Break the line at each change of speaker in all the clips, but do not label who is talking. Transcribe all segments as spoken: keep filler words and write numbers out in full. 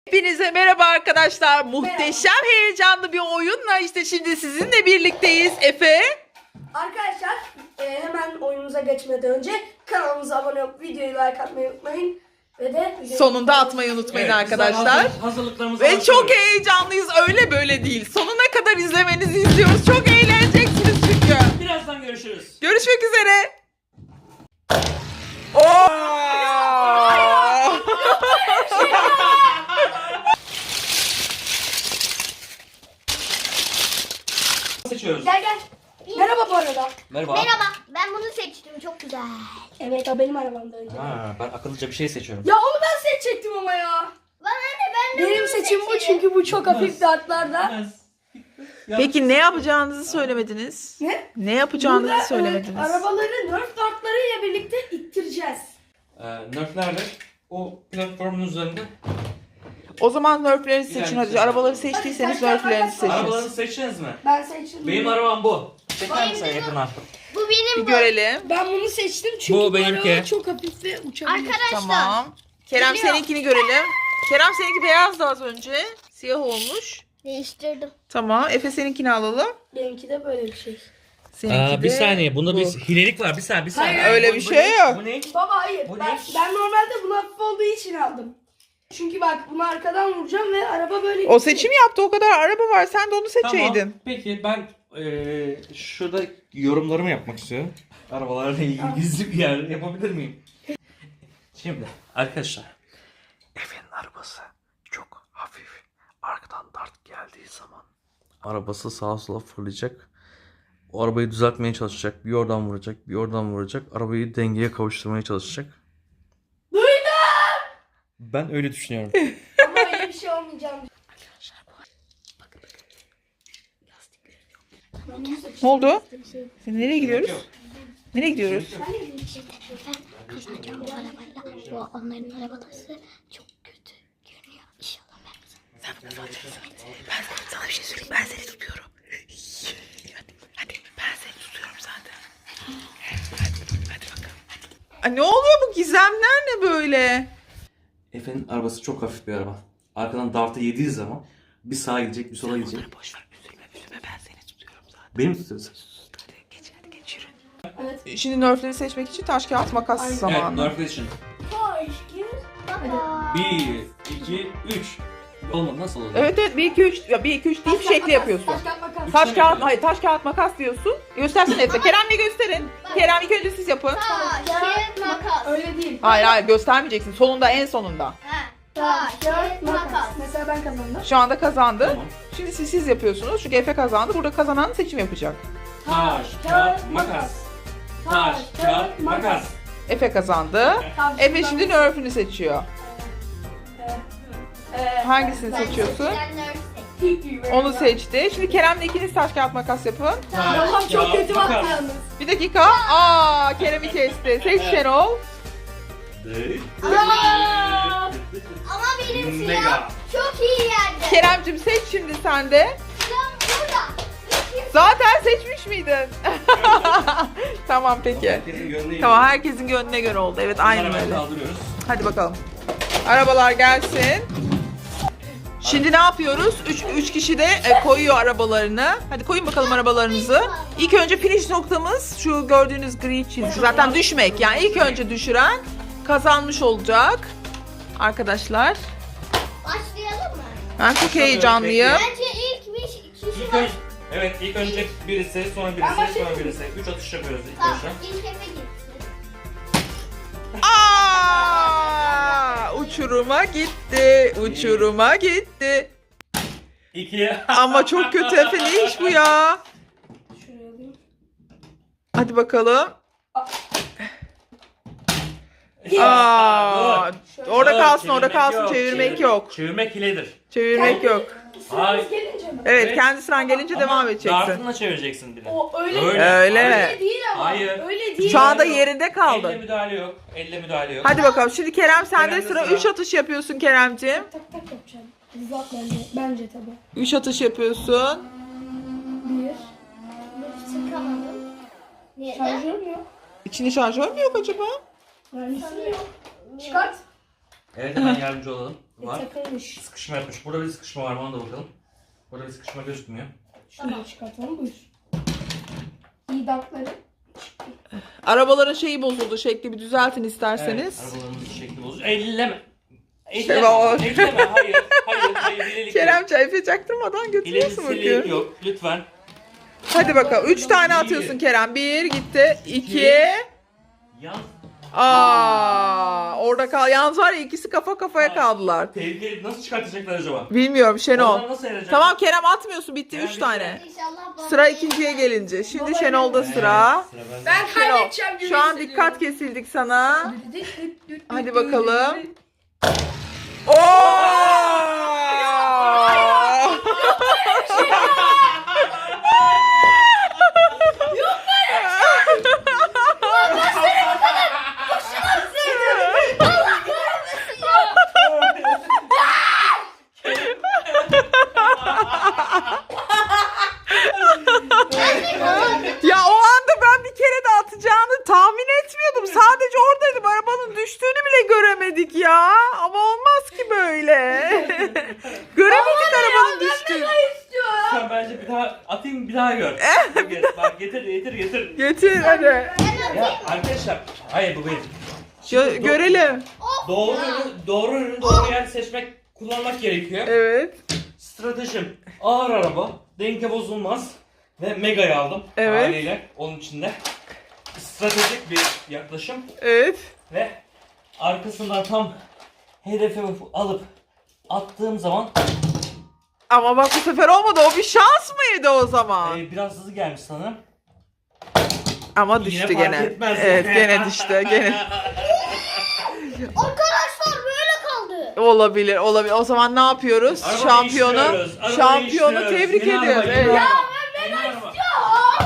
Hepinize merhaba arkadaşlar. Muhteşem heyecanlı bir oyunla işte şimdi sizinle birlikteyiz. Efe.
Arkadaşlar e, hemen oyunumuza geçmeden önce kanalımıza abone olup videoyu like atmayı unutmayın. Ve de
Sonunda atmayı unutmayın
Evet,
arkadaşlar.
hazır- hazırlıklarımızı
Ve
başlıyoruz.
çok heyecanlıyız. Öyle böyle değil. Sonuna kadar izlemenizi istiyoruz. Çok eğleneceksiniz çünkü.
Birazdan görüşürüz.
Görüşmek üzere. Oo!
Seçiyoruz.
Gel gel. Merhaba bu arada.
Merhaba.
Merhaba, ben bunu seçtim. Çok güzel.
Evet o benim arabamda önce.
Ha, ben akıllıca bir şey seçiyorum.
Ya onu ben seçecektim ama ya.
Bana ne, ben de
Benim
bunu
seçim bu
seçerim.
çünkü bu çok hafif dartlarda.
Peki ne yapacağınızı söylemediniz?
Ne?
Ne yapacağınızı
Burada, e,
söylemediniz.
arabaları nerf dartlarıyla birlikte ittireceğiz.
Ee, nerflerle o platformun üzerinde
O zaman nerflerinizi seçin.
Yani
Hadi
seçin.
arabaları seçtiyseniz
Hadi,
nerflerinizi seçin.
arabalarını seçtiniz mi?
Ben seçtim.
Benim arabam bu. Çeker
Benim
misin
de bu.
yakına?
Bir
Bu benim bu.
görelim.
Ben bunu seçtim çünkü
Bu
bu,
benimki.
araba çok hafif ve uçabilir.
Arkadaşlar.
Tamam. Kerem
Geliyor.
seninkini görelim. Kerem seninki beyazdı az önce. Siyah olmuş.
Değiştirdim.
Tamam. Efe seninkini alalım.
Benimki de böyle bir şey.
Seninki
Aa, bir
de
saniye. Bunda
bu.
bir hilelik var. Bir saniye. Bir saniye.
Hayır, öyle
Bu-
bir
bu
şey
ne?
yok.
Bu ne?
Baba hayır.
Bu
Ben,
ne?
ben normalde bunu hafif olduğu için aldım. Çünkü bak bunu arkadan vuracağım ve araba böyle...
O seçim yaptı. O kadar araba var. Sen de onu seçeydin.
Tamam. Peki ben eee şurada yorumlarımı yapmak istiyorum. Arabalarla ilgili gizli bir yer yapabilir miyim? Şimdi arkadaşlar. Efe'nin arabası çok hafif. Arkadan dart geldiği zaman arabası sağa sola fırlayacak. O arabayı düzeltmeye çalışacak. Bir oradan vuracak, bir oradan vuracak. Arabayı dengeye kavuşturmaya çalışacak.
Duydum!
Ben öyle düşünüyorum.
Ama öyle bir şey olmayacağım.
Ne oldu? Sen nereye gidiyoruz? Nereye gidiyoruz?
Ben kazanacağım bu arabayla. Bu onların arabası çok kötü görünüyor. İnşallah ben kazanırım.
Sen bunu kazanacaksın. Ben sana bir şey söyleyeyim. Ben seni tutuyorum. Hadi, hadi. Ben seni tutuyorum zaten. Hadi, hadi bakalım. Ay, ne oluyor bu gizemler ne böyle?
Efe'nin arabası çok hafif bir araba. Arkadan dartı yediği zaman bir sağa gidecek, bir sola gidecek.
Onları boş ver. Üzülme, üzülme. Ben seni tutuyorum zaten.
Beni mi tutuyorsun?
Hadi geç, hadi geç yürü.
Evet.
Şimdi nerfleri seçmek için taş kağıt makas
Aynen.
zamanı.
Evet, Nerf için.
Hoş gir.
Baba.
Bir, iki, üç. Olmadı, nasıl oldu?
Evet evet bir iki üç ya bir iki üç deyip şekli yapıyorsun.
Taş kağıt makas.
Taş kağıt hayır taş kağıt makas diyorsun. Göstersene Efe. Kerem'le gösterin. Kerem ilk önce siz yapın.
Taş, kağıt, makas.
Öyle değil.
Hayır hayır göstermeyeceksin. Sonunda en sonunda.
Ha.
Taş,
Taş,
kağıt,
kağıt,
makas.
makas.
Mesela ben kazandım.
Şu anda kazandı.
Tamam.
Şimdi siz siz yapıyorsunuz. Çünkü Efe kazandı. Burada kazanan seçim yapacak.
Taş, kağıt, makas. Taş, kağıt, makas.
Efe kazandı.
Tamam,
Efe
ben-
şimdi nerf'ünü seçiyor.
Ee,
Hangisini
Ben
seçiyorsun?
seçeceğim, nerf seç.
Onu seçti. Şimdi Kerem'le ikiniz taş kağıt makas yapın.
Allah'ım çok kötü baktı yalnız.
Bir dakika. Aa Kerem'i kesti. Seç Şenol.
Aa!
Ama benim
Mega.
silahım çok iyi yerde.
Kerem'cim seç şimdi sen de.
Silahım burada.
Zaten seçmiş miydin? Tamam peki.
Herkesin gönlü
Tamam herkesin gönlüne göre oldu. Evet aynen
Arabayı
öyle.
kaldırıyoruz.
Hadi bakalım. Arabalar gelsin. Şimdi ne yapıyoruz? Üç, üç kişi de e, koyuyor arabalarını. Hadi koyun bakalım arabalarınızı. İlk önce finish noktamız şu gördüğünüz gri çizgi. Zaten düşmek. Yani ilk önce düşüren kazanmış olacak. Arkadaşlar.
Başlayalım mı?
Ben çok heyecanlıyım.
Bence ilk bir kişi
İlk
var.
önce, evet ilk önce birisi, sonra
Ben
birisi, sonra
başlayayım.
birisi. Üç atış yapıyoruz ilk
Tamam,
başta.
ilk Efe gitsin.
Aa! Uçuruma gitti. Uçuruma gitti.
İki.
Ama çok kötü Efe ne iş bu ya?
Şuraya alayım.
Hadi bakalım.
Ya,
Aa,
dur.
orada
Dur,
kalsın, orada
çevirmek
kalsın.
yok,
Çevirmek
çevir-
yok.
Çevirmek hiledir.
Çevirmek yok.
Sıramız
Hayır.
gelince mi?
Evet,
Evet.
kendi sıran gelince
Ama
devam edeceksin.
dartınla çevireceksin bile.
O öyle
Öyle.
Öyle.
Öyle değil ama.
Hayır.
Öyle değil.
Şu anda
Yok.
yerinde
Elle
kaldı.
müdahale yok. Elle müdahale yok.
Hadi bakalım. Şimdi Kerem sende
Kerem'de
sıra.
sıra.
üç atış yapıyorsun Keremciğim.
Tak tak yapacağım. Uzat bence. Bence tabii.
üç atış yapıyorsun.
Bir.
Çıkamadım. Neden?
Şarjör mü yok?
İçinde şarjör mü yok acaba?
Mühendisliği yok. Çıkart.
Evet hemen yardımcı olalım. var.
Takılmış.
Sıkışma yapmış. Burada bir sıkışma var mı ona da bakalım. Burada bir sıkışma gözükmüyor.
Şunu da çıkartalım. Buyur. İyi dankları.
Arabaların şeyi bozuldu. Şekli bir düzeltin isterseniz.
Evet, arabalarımızın şekli bozuk. Elleme.
Şey
Elleme.
var.
Elleme. Hayır. Hayır. Hayır. Hilelik
Kerem
yok.
çay çaktırmadan götürüyorsun
Hilelik
bakıyorum.
yok. Lütfen.
Hadi bakalım. Üç tane atıyorsun Kerem. Bir gitti. İki.
Yan.
Aa, orada kal. Yalnız var ya ikisi kafa kafaya kaldılar.
Tehlikeli nasıl çıkartacaklar acaba?
Bilmiyorum Şenol.
Onlar nasıl erecek?
Tamam Kerem atmıyorsun. Bitti
Kerem
üç
bitti.
tane.
İnşallah baba.
Sıra ikinciye gelince. Şimdi Şenol'da sıra.
Sıra bende.
Ben
Şenol.
kaybedeceğim gibi
Şu an
hissediyorum.
dikkat kesildik sana. Hadi bakalım.
Yok
Ya o anda ben bir kere de atacağını tahmin etmiyordum. Sadece oradaydım. Arabanın düştüğünü bile göremedik ya. Ama olmaz ki böyle. Göremedik arabanın düştüğünü.
Sen bence bir daha atayım bir daha gör. Gel, bak getir getir getir.
Getir hadi.
Ya arkadaşlar. Hayır bu benim.
Gö- görelim.
Doğru ürün, doğru ürün, doğru yer seçmek, kullanmak gerekiyor.
Evet.
Stratejim ağır araba, denge bozulmaz ve Mega'yı aldım.
Evet.
Haliyle onun içinde. Stratejik bir yaklaşım
Evet.
ve arkasından tam hedefi alıp attığım zaman
Ama bak bu sefer olmadı. O bir şans mıydı o zaman?
e, biraz hızlı gelmiş sanırım.
Ama
Yine
düştü
fark
gene.
etmez.
Evet gene düştü. Gene.
Arkadaşlar böyle kaldı.
Olabilir, olabilir. O zaman ne yapıyoruz?
Araba
Şampiyonu,
değiştiriyoruz, araba
şampiyonu
değiştiriyoruz.
tebrik
Yeni
ediyoruz.
araba, yeni
Evet.
araba, yeni araba.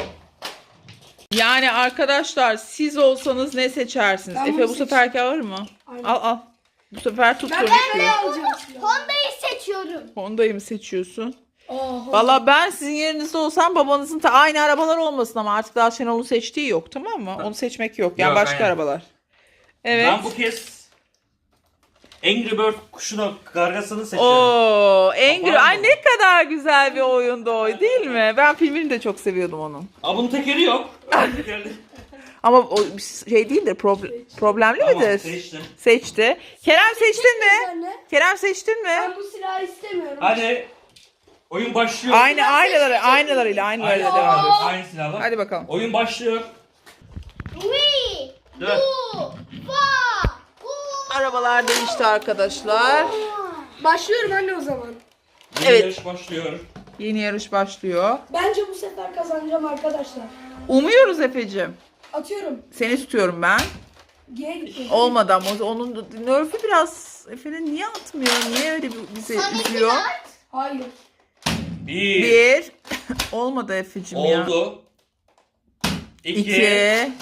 Yani arkadaşlar siz olsanız ne seçersiniz?
Ben
Efe
bunu
bu
seç-
seferki alır mı?
Aynen.
Al al. Bu sefer tut
Ben
konuşuyor.
ne alacağım?
Honda'yı seçiyorum.
Honda'yı mı seçiyorsun?
Oho.
Valla ben sizin yerinizde olsam babanızın ta aynı arabalar olmasın ama artık daha Şenol'un seçtiği yok, tamam mı? Onu seçmek yok. Yani
Yok,
başka
aynen.
arabalar. Evet.
Ben bu kez Angry Bird kuşunu, kargasını seçiyorum.
Oo, Angry.
Var mı?
Ay ne kadar güzel bir oyundu o, değil mi? Ben filmini de çok seviyordum onun.
Aa bunun tekeri yok. Tekerli.
Ama o şey değildir, problem, problemli
Tamam
midir?
seçtim.
Seçti. Kerem seçtin mi?
Sen ne?
Kerem seçtin mi?
Ben bu silahı istemiyorum.
Hadi oyun başlıyor.
Aynı aynaları, aynalarıyla,
Aynı
aynalarıyla devam
silahlar.
ediyoruz.
Aynı silahlar.
Hadi bakalım.
Oyun başlıyor.
We
Dur.
do fa.
Arabalar değişti arkadaşlar.
Başlıyorum anne o zaman.
Yeni
Evet.
yarış başlıyor.
Yeni yarış başlıyor.
Bence bu sefer kazanacağım arkadaşlar.
Umuyoruz Efe'cim.
Atıyorum.
Seni tutuyorum ben.
G'ye gitti.
Olmadı ama onun nerf'ü biraz Efe'nin niye atmıyor? Niye öyle bizi üzüyor?
Hayır.
Bir.
Bir. Olmadı Efe'cim ya.
Oldu. İki.
İki.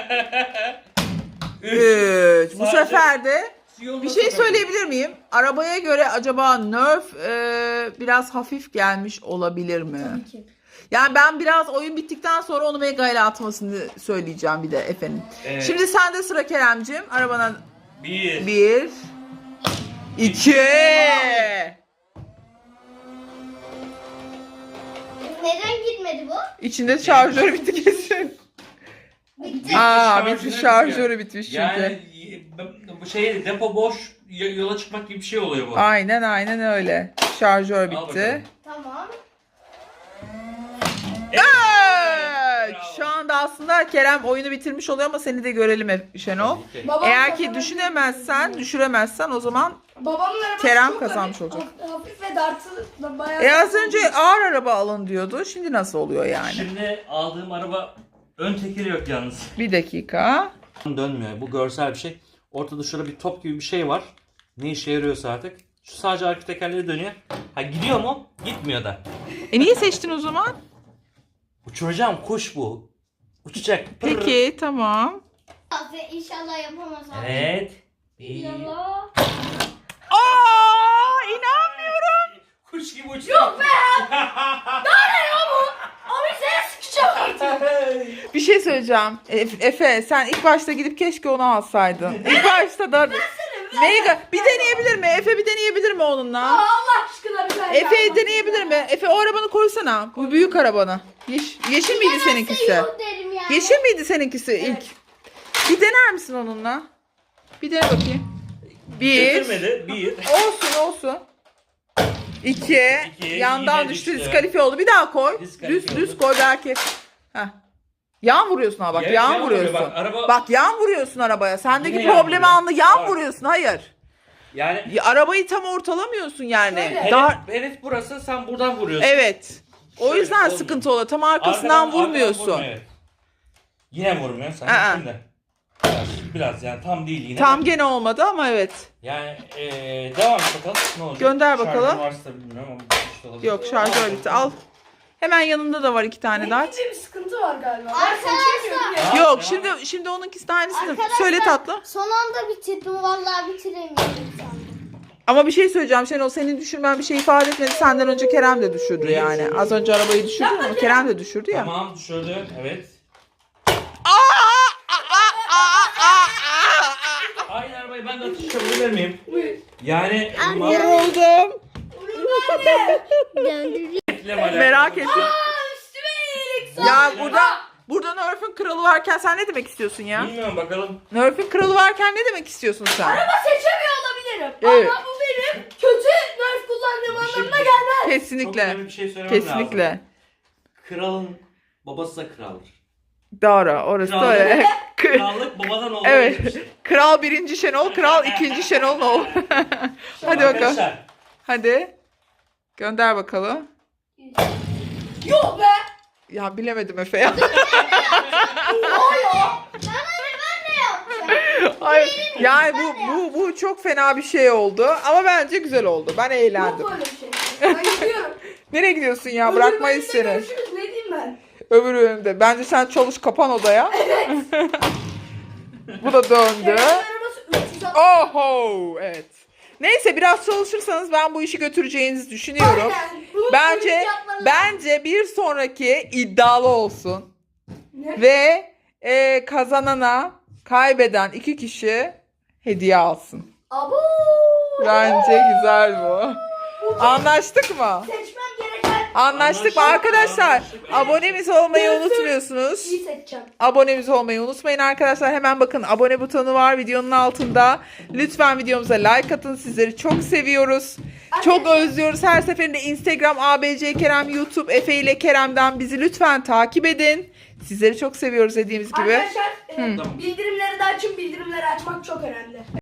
Üç.
Üç. Bu
Sadece-
sefer de
Yolda
bir şey
tutalım.
söyleyebilir miyim? Arabaya göre acaba nerf e, biraz hafif gelmiş olabilir mi?
Tabii ki.
Yani ben biraz oyun bittikten sonra onu Mega ile atmasını söyleyeceğim bir de efendim.
Evet.
Şimdi sende sıra Kerem'cim. Arabana
Bir.
bir, iki.
Neden gitmedi bu?
İçinde şarjörü bitti kesin.
Bitti.
Aa,
Şarjörü
bitmiş,
bitiyor.
şarjörü bitmiş çünkü.
Yani bu şey depo boş y- yola çıkmak gibi bir şey oluyor bu.
Aynen aynen öyle. Şarjör
Al
bitti.
bakalım.
Tamam.
Evet.
Bravo.
Şu anda aslında Kerem oyunu bitirmiş oluyor ama seni de görelim Ef- Şenol.
Tabii ki.
Babam
Eğer ki
kazanabilir
düşünemezsen,
mi?
düşüremezsen o zaman
Babamın arabası
Kerem
çok
kazanmış
hafif-
olacak.
Hafif ve dartı da bayağı...
e az önce ağır araba alın diyordu. Şimdi nasıl oluyor yani?
Şimdi aldığım araba ön tekeri yok yalnız.
Bir dakika.
Dönmüyor. Bu görsel bir şey. Ortada şurada bir top gibi bir şey var. Ne işe yarıyorsa artık. Şu sadece arka tekerleri dönüyor. Ha gidiyor mu? Gitmiyor da.
E niye seçtin o zaman?
Uçuracağım kuş bu. Uçacak. Pırr.
Peki tamam.
İnşallah yapamaz abi.
Evet. Bir.
İnşallah.
Aa, inanmıyorum.
Kuş gibi uçtu. Yok be.
Abi seni sıkacağım artık.
Bir şey söyleyeceğim. E- Efe sen ilk başta gidip keşke onu alsaydın. İlk başta da
Seni
Mega bir deneyebilir mi? Efe bir deneyebilir mi
Aa,
onunla?
Allah aşkına bir tane
Efe
yapmak
deneyebilir
ya.
mi? Efe o arabanı koysana. Bu büyük arabanı. Yeş yeşil miydi seninkisi?
Yok derim yani.
Yeşil miydi seninkisi ilk? Bir dener misin onunla? Bir dene bakayım. Bir.
Getirmedi. Bir.
Olsun olsun. İki.
İki,
Yandan
yine
düştü.
düştü.
Diskalifiye oldu. Bir daha koy.
Diskalifiye
Düz düz
oldu.
koy belki. Heh. Yan vuruyorsun ha bak.
Ya-
yan,
yan
vuruyorsun.
vuruyor, bak, araba-
Bak yan vuruyorsun arabaya. Sendeki
Yine yan
problemi
vuruyor.
anla. Yan
Bak.
vuruyorsun. Hayır.
Yani
Ya, arabayı tam ortalamıyorsun yani.
Şöyle.
Daha
hedef, hedef burası, sen buradan vuruyorsun.
evet. O
Şöyle,
yüzden
olmuyor.
sıkıntı oluyor. Tam arkasından
Arkadan-
vurmuyorsun.
arkadan vurmuyor, evet. Yine vurmuyor sen
Aa.
şimdi. Biraz, biraz yani tam değil yine.
Tam gene olmadı ama evet.
Yani eee devam et bakalım ne olacak.
Gönder bakalım.
Şarjı varsa bilmiyorum ama işte olabilir.
Yok şarjör bitti. Al. Hemen yanında da var iki tane daha.
Renkli bir sıkıntı var galiba. Ben
Arkadaşlar.
seçemiyorum ya.
Aa,
Yok
devam
şimdi
et.
şimdi onunkisi de aynısını.
Arkadaşlar,
Söyle tatlım.
Son anda bitirdim. Vallahi bitiremiyorum sandım.
Ama bir şey söyleyeceğim. Şenol senin düşürmen bir şey ifade etmedi. Senden önce Kerem de düşürdü yani. Az önce arabayı düşürdü ama Kerem de düşürdü ya.
Tamam düşürdü evet. Aynı arabayı ben de atıştırabilir miyim? Yani ma-
Yoruldum.
Döndüreyim.
Reklam alakalı.
Merak ettim.
Üstüme iyilik
Ya burada burada Nerf'ün kralı varken sen ne demek istiyorsun ya?
Bilmiyorum bakalım.
Nerf'ün kralı varken ne demek istiyorsun sen?
Araba seçemiyor olabilirim.
Evet.
Ama bu benim kötü nerf kullandığım
Bir şey-
anlamına gelmez.
Çok
Kesinlikle.
önemli bir şey söylemem lazım.
Kesinlikle.
Kralın babası da kraldır.
Doğru. Orası da
Krallık-
öyle. K-
Krallık babadan oğula
Evet.
geçmiştir.
Kral birinci Şenol, kral ikinci Şenol oğlu. Hadi bakalım.
Arkadaşlar,
Hadi. Gönder bakalım.
Yok be.
Ya bilemedim Efe ya. Hayır. Yani bu bu bu çok fena bir şey oldu ama bence güzel oldu. Ben eğlendim.
Yok böyle bir şey. Ben gidiyorum.
Nereye gidiyorsun ya?
Öbür
Bırakmayız
bölümde
seni.
Görüşürüz. Ne diyeyim ben?
Öbür bölümde. Bence sen çalış kapan odaya. Bu da döndü.
Kerem'in arabası üç yüz altmış.
Oho, evet. Neyse biraz çalışırsanız ben bu işi götüreceğinizi düşünüyorum.
Aynen. Bunu
Bence
polis yapmalı.
bence bir sonraki iddialı olsun
Ne?
ve e, kazanana kaybeden iki kişi hediye alsın.
Abo.
Bence güzel bu. Anlaştık mı?
Seçmem gereken
Anlaştık mı
Anlaştık,
arkadaşlar?
anlaştık.
Abonemiz olmayı
Dönsün.
unutmuyorsunuz.
iyi seçeceğim.
Abonemiz olmayı unutmayın arkadaşlar. Hemen bakın abone butonu var videonun altında. Lütfen videomuza like atın. Sizleri çok seviyoruz. Çok özlüyoruz. Her seferinde Instagram A B C Kerem, YouTube Efe ile Kerem'den bizi lütfen takip edin. Sizleri çok seviyoruz dediğimiz gibi.
Arkadaşlar e,
Tamam.
bildirimleri de açın. Bildirimleri açmak çok önemli.